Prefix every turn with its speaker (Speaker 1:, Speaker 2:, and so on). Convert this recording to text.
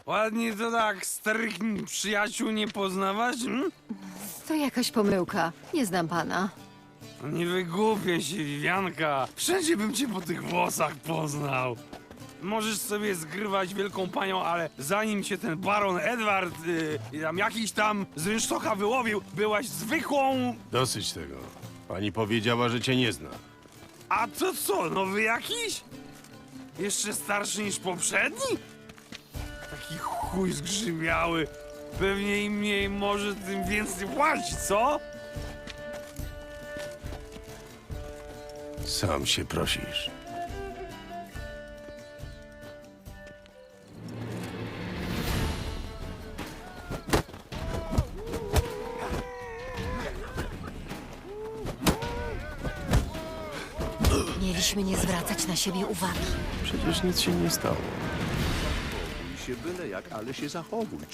Speaker 1: Ładnie to tak starych przyjaciół nie poznawać?
Speaker 2: To jakaś pomyłka. Nie znam pana.
Speaker 1: No nie wygłupię się, Wianka. Wszędzie bym cię po tych włosach poznał. Możesz sobie zgrywać wielką panią, ale zanim cię ten baron Edward tam jakiś tam z rynsztoka wyłowił, byłaś zwykłą...
Speaker 3: Dosyć tego. Pani powiedziała, że cię nie zna.
Speaker 1: A to co, nowy jakiś? Jeszcze starszy niż poprzedni? Taki chuj zgrzymiały. Pewnie im mniej może, tym więcej płaci, co?
Speaker 3: Sam się prosisz.
Speaker 2: Mieliśmy nie zwracać na siebie uwagi.
Speaker 3: Przecież nic się nie stało.
Speaker 4: Bój się byle jak, ale się zachowuj.